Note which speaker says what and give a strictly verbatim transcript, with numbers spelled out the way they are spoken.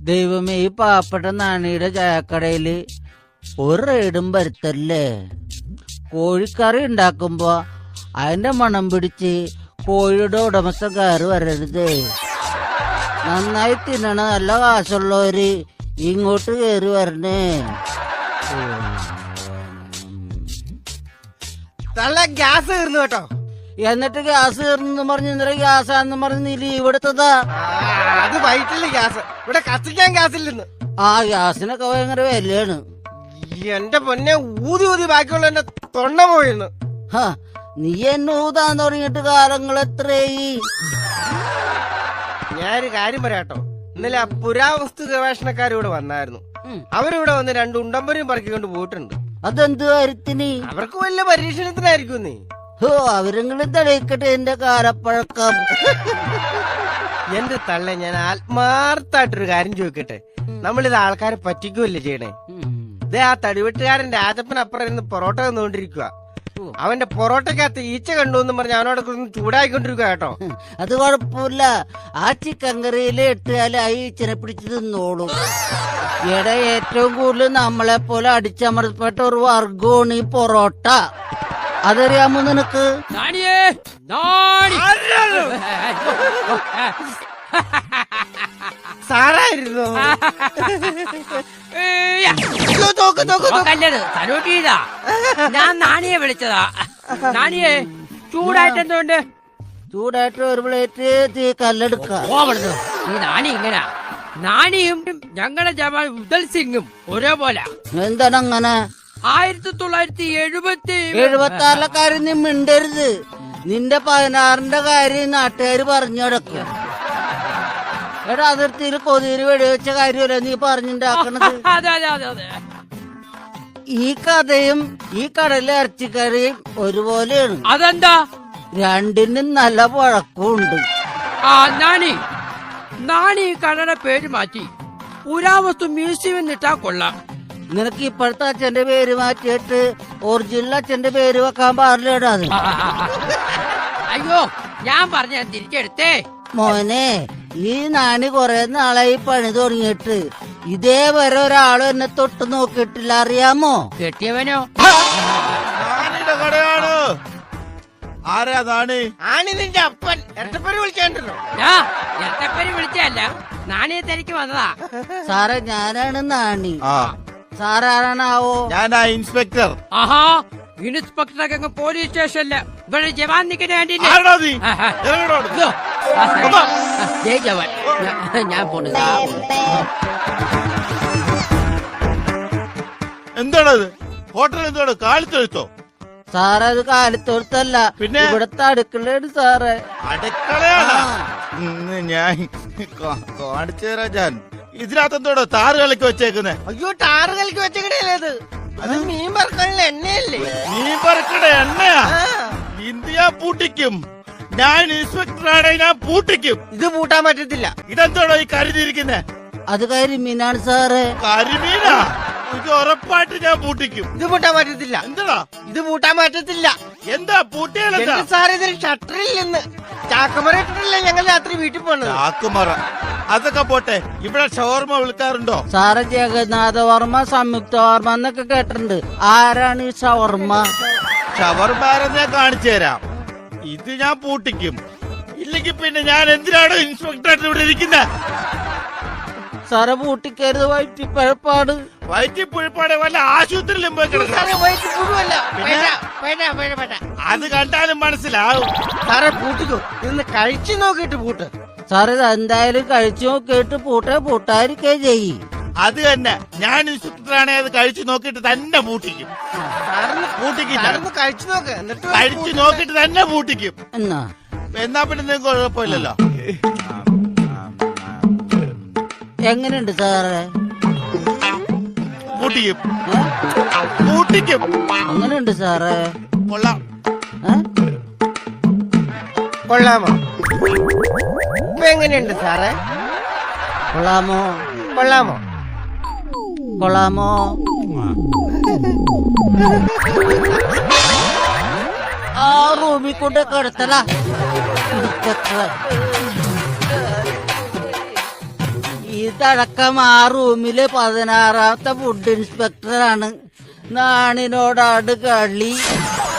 Speaker 1: ദൈവമേ, ഈ പാവപ്പെട്ട നാണിയുടെ ചായക്കടയില് ഒരു റെയ്ഡും വരുത്തല്ലേ. കോഴിക്കറി ഉണ്ടാക്കുമ്പോ അതിന്റെ മണം പിടിച്ച് കോഴിയുടെ ഉടമസ്ഥക്കാര് വരരുത്. നന്നായി തിന്നണ നല്ല കാശുള്ളവര് ഇങ്ങോട്ട് കയറി വരണേ.
Speaker 2: ഗ്യാസ് തീർന്നു കേട്ടോ.
Speaker 1: എന്നിട്ട് ഗ്യാസ് തീർന്നു പറഞ്ഞ് ഇന്നലെ ഗ്യാസാന്ന് പറഞ്ഞ് നീ ലീവ് എടുത്തതാ.
Speaker 2: അത് വൈറ്റില്ല ഗ്യാസ്, ഇവിടെ കത്തിക്കാൻ ഗ്യാസ് ഇല്ലെന്ന്.
Speaker 1: ആ ഗ്യാസിനൊക്കെ ഭയങ്കര വിലയാണ്.
Speaker 2: എന്റെ പൊന്നെ, ഊതി ഊതി ബാക്കിയുള്ള എന്റെ തൊണ്ട പോയിരുന്നു.
Speaker 1: നീ എന്നെ ഊതാൻ തുടങ്ങിയിട്ട് കാലങ്ങൾ എത്രയായി?
Speaker 2: ഞാനൊരു കാര്യം പറയാട്ടോ. ഇന്നലെ ആ പുരാവസ്തു ഗവേഷണക്കാർ ഇവിടെ വന്നായിരുന്നു. അവരിവിടെ വന്ന് രണ്ട് ഉണ്ടമ്പരും പറക്കിക്കൊണ്ട് പോയിട്ടുണ്ട്.
Speaker 1: അതെന്ത് കാര്യത്തിന്?
Speaker 2: അവർക്ക് വല്ല പരീക്ഷണത്തിനായിരിക്കും. നീ
Speaker 1: ഓ അവരെങ്കിലും തെളിയിക്കട്ടെ എന്റെ കാലപ്പഴക്കം.
Speaker 2: എന്റെ തള്ള, ഞാൻ ആത്മാർത്ഥായിട്ടൊരു കാര്യം ചോദിക്കട്ടെ. നമ്മളിത് ആൾക്കാരെ പറ്റിക്കുമല്ലേ ചെയ്യണേ? ഇതേ ആ തടിവെട്ടുകാരൻ രാജപ്പൻ അപ്പുറം ഇരുന്ന് പൊറോട്ട തന്നുകൊണ്ടിരിക്കുക. അവന്റെ പൊറോട്ടക്കകത്ത് ഈച്ച കണ്ടു എന്ന് പറഞ്ഞ് അവനോട് ചൂടായിക്കൊണ്ടിരിക്കുക കേട്ടോ.
Speaker 1: അത് കുഴപ്പമില്ല, ആ ചിക്കൻ കറിയില് ഇട്ടാല് ആ ഈച്ചനെ പിടിച്ച് തിന്നോളൂ. ഇവിടെ ഏറ്റവും കൂടുതൽ നമ്മളെ പോലെ അടിച്ചമർത്തപ്പെട്ട ഒരു വർഗമാണ് ഈ പൊറോട്ട. അതറിയാമോ നിനക്ക്?
Speaker 2: സാറായിരുന്നു.
Speaker 3: ഞാൻ നാണിയെ വിളിച്ചതാ. നാണിയെ ചൂടായിട്ട് എന്തുകൊണ്ട്?
Speaker 1: ചൂടായിട്ട് ഒരു പ്ലേറ്റ് തീ കല്ലെടുക്ക.
Speaker 3: ഈ നാണി ഇങ്ങനെ, നാണിയും ഞങ്ങളുടെ ജവാൻ ഉദൽ സിംഗും ഒരേപോലെ.
Speaker 1: എന്താണ് അങ്ങനെ?
Speaker 3: ആയിരത്തി തൊള്ളായിരത്തി എഴുപത്തി
Speaker 1: എഴുപത്തി ആറിലെ കാര്യം നീ മിണ്ടരുത്. നിന്റെ പതിനാറിന്റെ കാര്യം നാട്ടുകാര് പറഞ്ഞു കിടക്കും. എടാ, അതിർത്തിയിൽ കൊതിയിൽ വെടിവെച്ച കാര്യമല്ല നീ പറഞ്ഞിണ്ടാക്കണത്. ഈ കഥയും ഈ കടലിലെ ഇറച്ചിക്കറിയും ഒരുപോലെയാണ്.
Speaker 3: അതെന്താ?
Speaker 1: രണ്ടിനും നല്ല പഴക്കമുണ്ട്.
Speaker 3: ആ നാണി, നാണി ഈ കടയുടെ പേര് മാറ്റി പുരാവസ്തു മ്യൂസിയം എന്നിട്ടാ കൊള്ളാം.
Speaker 1: നിനക്ക് ഇപ്പോഴത്തെ അച്ഛന്റെ പേര് മാറ്റിയിട്ട് ഒറിജിനൽ അച്ഛന്റെ പേര് വെക്കാൻ പാടില്ലടാ. അത്
Speaker 3: അയ്യോ, ഞാൻ പറഞ്ഞ തിരിച്ചെടുത്തേ.
Speaker 1: മോനെ, ഈ നാണി കൊറേ നാളായി പണി തുടങ്ങിയിട്ട് ഇതേവരെ ഒരാളും എന്നെ തൊട്ട് നോക്കിയിട്ടില്ല, അറിയാമോ?
Speaker 3: കെട്ടിയവനോ?
Speaker 4: കടയാണ്. ആരാ നാണി?
Speaker 2: ആണി നിന്റെ അപ്പൻ. എട്ടപ്പേര് വിളിക്കാണ്ടല്ലോ.
Speaker 3: എട്ടപ്പേര് വിളിച്ചല്ല, നാണിയെ തിരക്ക് വന്നതാ.
Speaker 1: സാറേ, ഞാനാണ് നാണി. സാറാണാവോ?
Speaker 4: ഞാനാ ഇൻസ്പെക്ടർ.
Speaker 3: ആഹാ, ഇൻസ്പെക്ടറൊക്കെ അങ്ങ് പോലീസ് സ്റ്റേഷനില് ഇവിടെ ജവാൻ നിൽക്കുന്ന കണ്ടില്ലേ? ജവാൻ, ഞാൻ പോണു.
Speaker 4: എന്താണത്? ഹോട്ടൽ എന്താണ്? കാലിത്തൊഴുത്തോ?
Speaker 1: സാറേ, അത് കാലിത്തൊഴുത്തല്ല, പിന്നെ ഇവിടുത്തെ അടുക്കളയാണ് സാറേ.
Speaker 4: അടുക്കളയാണ്? ഞാൻ കാണിച്ചു തരാം. ഞാൻ ഇതിനകത്ത് എന്തോടോ താറ് കളിക്ക് വെച്ചേക്കുന്നേ?
Speaker 2: അയ്യോ, ടാറ് കളിക്ക് വെച്ചേക്കണേത് അത് മീൻ പറക്കാനുള്ള എണ്ണയല്ലേ?
Speaker 4: മീൻ പറക്കണ എണ്ണയാ? ഇന്ത്യ പൂട്ടിക്കും. ഞാൻ ഇൻസ്പെക്ടറാണ്, ഞാൻ പൂട്ടിക്കും.
Speaker 2: ഇത് പൂട്ടാൻ പറ്റത്തില്ല.
Speaker 4: ഇതെന്തോടോ ഈ കരുതിയിരിക്കുന്നേ?
Speaker 1: അത് കരിമീനാണ് സാറേ.
Speaker 4: കരിമീനാ? ഇത് ഉറപ്പായിട്ട് ഞാൻ പൂട്ടിക്കും.
Speaker 2: ഇത് പൂട്ടാൻ പറ്റത്തില്ല.
Speaker 4: എന്താ
Speaker 2: ഇത് പൂട്ടാൻ പറ്റത്തില്ല?
Speaker 4: എന്താ പൂട്ടിയാലെന്താ
Speaker 2: സാറേ? ഇതിന് ഷട്ടറിൽ നിന്ന് ചാക്കുമറ ഇട്ടിട്ടല്ലേ ഞങ്ങൾ രാത്രി വീട്ടിൽ പോണത്.
Speaker 4: ചാക്കുമറ അതൊക്കെ പോട്ടെ, ഇവിടെ ഷവർമ വിളിക്കാറുണ്ടോ?
Speaker 1: സാറേ, ജഗന്നാഥ വർമ്മ, സംയുക്ത വർമ്മ എന്നൊക്കെ കേട്ടിട്ടുണ്ട്. ആരാണ് ഈ ഷവർമ്മ?
Speaker 4: ഷവർമാരെന്നെ കാണിച്ചു തരാം. ഇത് ഞാൻ പൂട്ടിക്കും. ഇല്ലെങ്കിൽ പിന്നെ ഞാൻ എന്തിനാണ് ഇൻസ്പെക്ടറായിട്ട് ഇവിടെ ഇരിക്കുന്നത്?
Speaker 1: സാറെ, പൂട്ടിക്കരുത്, വയറ്റിപ്പഴപ്പാട്.
Speaker 4: വയറ്റിപ്പുഴപ്പാട് വല്ല ആശുപത്രിയിലും പോയി കിടക്കും. അത് കണ്ടാലും മനസ്സിലാവും.
Speaker 2: സാറെ, പൂട്ടിക്കോ. ഇന്ന് കഴിച്ചു നോക്കിയിട്ട് പൂട്ട്.
Speaker 1: സാറേ, എന്തായാലും കഴിച്ചു നോക്കിയിട്ട് പൂട്ടേ പൂട്ടായിരിക്കേ ചെയ്യും.
Speaker 4: അത് തന്നെ, ഞാൻ ഇൻസ്പെക്ടറാണെ അത് കഴിച്ചു നോക്കിയിട്ട് തന്നെ പൂട്ടിക്കും. പൂട്ടിക്കും,
Speaker 2: കഴിച്ചു നോക്ക്. എന്നിട്ട്
Speaker 4: കഴിച്ചു നോക്കിയിട്ട് തന്നെ പൂട്ടിക്കും.
Speaker 1: എന്നാ
Speaker 4: എന്നാ പിന്നെ നിങ്ങൾക്ക് കുഴപ്പമില്ലല്ലോ.
Speaker 1: എങ്ങനെയുണ്ട് സാറേ?
Speaker 4: പൂട്ടിക്കും, പൂട്ടിക്കും.
Speaker 1: എങ്ങനെയുണ്ട് സാറേ?
Speaker 4: കൊള്ളാം.
Speaker 2: കൊള്ളാമോ? ഇപ്പൊ എങ്ങനെയുണ്ട് സാറേ?
Speaker 1: കൊള്ളാമോ?
Speaker 2: കൊള്ളാമോ?
Speaker 1: കൊള്ളാമോ? ആ റൂമിൽ കൊണ്ട് കിടത്തല. ഈ ഇതടക്കം ആ റൂമിലെ പതിനാറാമത്തെ ഫുഡ് ഇൻസ്പെക്ടറാണ്. നാണിനോടാട് കളി.